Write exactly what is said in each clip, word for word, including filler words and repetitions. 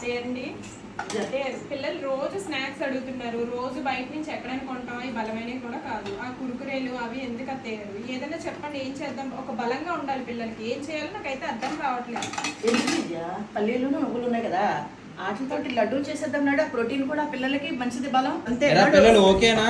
ఏంటి పిల్లలు రోజు స్నాక్స్ అడుగుతున్నారు. రోజు బయట నుంచి ఎక్కడైనా కొంటాం, అవి బలమైనవి కూడా కాదు. ఆ కురుకురేలు అవి ఎందుకు అత్తయ్యారు? ఏదైనా చెప్పండి, ఏం చేద్దాం? ఒక బలంగా ఉండాలి పిల్లలకి. ఏం చేయాలో నాకైతే అర్థం కావట్లేదు. పల్లీలు నువ్వులు ఉన్నాయి కదా, వాటితో లడ్డూ చేసేద్దాం నాడు. ప్రోటీన్ కూడా పిల్లలకి మంచిది, బలం. అంతే పిల్లలు ఓకేనా?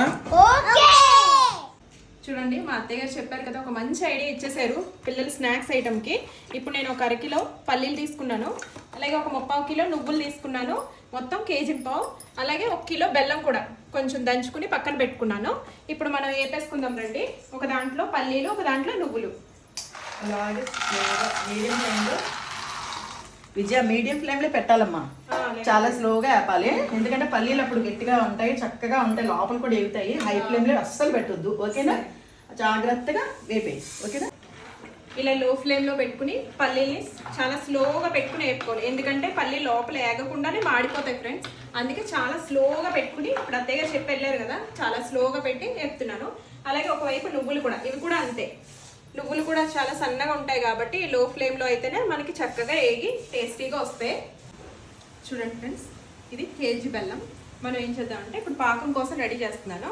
చూడండి, మా అత్తయ్య గారు చెప్పారు కదా, ఒక మంచి ఐడియా ఇచ్చేసారు పిల్లలు స్నాక్స్ ఐటమ్కి. ఇప్పుడు నేను ఒక అరకిలో పల్లీలు తీసుకున్నాను, అలాగే ఒక ముప్పావు కిలో నువ్వులు తీసుకున్నాను, మొత్తం కేజీ పావు. అలాగే ఒక కిలో బెల్లం కూడా కొంచెం దంచుకుని పక్కన పెట్టుకున్నాను. ఇప్పుడు మనం వేపేసుకుందాం రండి. ఒక దాంట్లో పల్లీలు, ఒక దాంట్లో నువ్వులు. అలాగే మీడియం ఫ్లేమ్లో విజయ మీడియం ఫ్లేమ్లో పెట్టాలమ్మా. చాలా స్లోగా వేపాలి, ఎందుకంటే పల్లీలు అప్పుడు గట్టిగా ఉంటాయి, చక్కగా ఉంటాయి, లోపల కూడా ఎగుతాయి. హై ఫ్లేమ్లో అస్సలు పెట్టొద్దు, ఓకేనా? జాగ్రత్తగా వేపేయి, ఓకేనా? ఇలా లో ఫ్లేమ్లో పెట్టుకుని పల్లీని చాలా స్లోగా పెట్టుకుని వేపుకోవాలి, ఎందుకంటే పల్లీ లోపల ఏగకుండానే మాడిపోతాయి ఫ్రెండ్స్. అందుకే చాలా స్లోగా పెట్టుకుని, ఇప్పుడు అత్తయ్య గారు చెప్పి వెళ్ళారు కదా, చాలా స్లోగా పెట్టి వేపుతున్నాను. అలాగే ఒకవైపు నువ్వులు కూడా, ఇవి కూడా అంతే. నువ్వులు కూడా చాలా సన్నగా ఉంటాయి కాబట్టి లో ఫ్లేమ్లో అయితేనే మనకి చక్కగా ఏగి టేస్టీగా వస్తాయి. చూడండి ఫ్రెండ్స్, ఇది కేజీ బెల్లం. మనం ఏం చేద్దామంటే ఇప్పుడు పాకం కోసం రెడీ చేస్తున్నాను.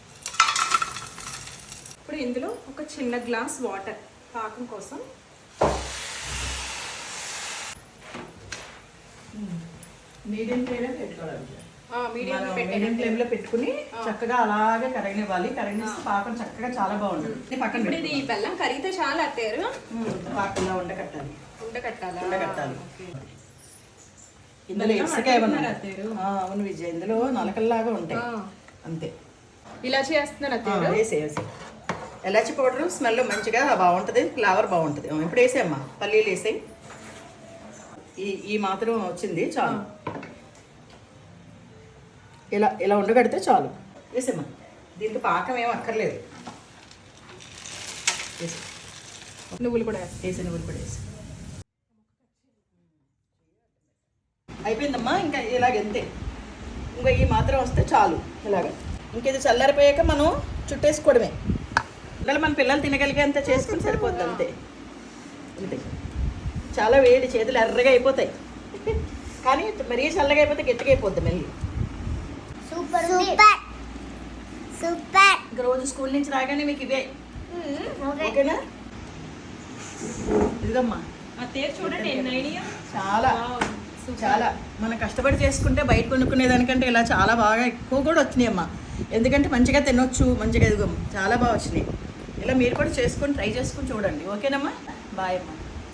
ఇప్పుడు ఇందులో ఒక చిన్న గ్లాస్ వాటర్ పాకం కోసం. మీడియం ఫ్లేమ్లో పెట్టుకోవాలి. మీడియం ఫ్లేమ్ లో పెట్టుకుని చక్కగా అలాగే కరగనివ్వాలి. కరగనిస్తే పాకం చక్కగా చాలా బాగుంటుంది. పక్కన ఇది బెల్లం కరిగితే చాలా అత్తారు పాకంలో ఉండకట్టాలి. ఉండకట్టాలి ఉండకట్టాలి ఇందులో ఇసుకాయ అవును విజయ్, ఇందులో నలకల్లాగా ఉంటాయి అంతే. ఇలాచి వేస్తున్నారు అత్తయ్య? వేసే వేసే ఎలాచి పౌడర్ స్మెల్ మంచిగా బాగుంటుంది, ఫ్లేవర్ బాగుంటుంది. ఇప్పుడు వేసేమ్మా, పల్లీలు వేసాయి. ఈ ఈ మాత్రం వచ్చింది చాలు. ఇలా ఇలా ఉండగడితే చాలు. వేసేమ్మా, దీంట్లో పాకం ఏం అక్కర్లేదు. వేసి నువ్వులు కూడా వేసి నువ్వులు కూడా వేసి అయిపోయిందమ్మా. ఇంకా ఇలాగంతే, ఇంకా ఈ మాత్రం వస్తే చాలు. ఇలాగ ఇంకేది చల్లారిపోయాక మనం చుట్టేసుకోవడమే. పిల్లలు మన పిల్లలు తినగలిగే అంత చేసుకుని సరిపోద్ది అంతే. అంతే, చాలా వేడి, చేతులు ఎర్రగా అయిపోతాయి. కానీ మరీ చల్లగా అయిపోతే గట్టిగా అయిపోద్ది మళ్ళీ. Super super super. ఇంకా రోజు స్కూల్ నుంచి రాగానే మీకు ఇవే, ఓకేనా? ఇదిగమ్మా అత్తయ్య చూడండి ఎన్ని ఐడియా. చాలా చాలా మనం కష్టపడి చేసుకుంటే బయట కొనుక్కునే దానికంటే ఇలా చాలా బాగా ఎక్కువ కూడా వచ్చినాయి అమ్మా. ఎందుకంటే మంచిగా తినొచ్చు, మంచిగా ఎదుగమ్మ, చాలా బాగా వచ్చినాయి. ఇలా మీరు కూడా చేసుకొని ట్రై చేసుకొని చూడండి, ఓకేనమ్మా? బాయ్ అమ్మా.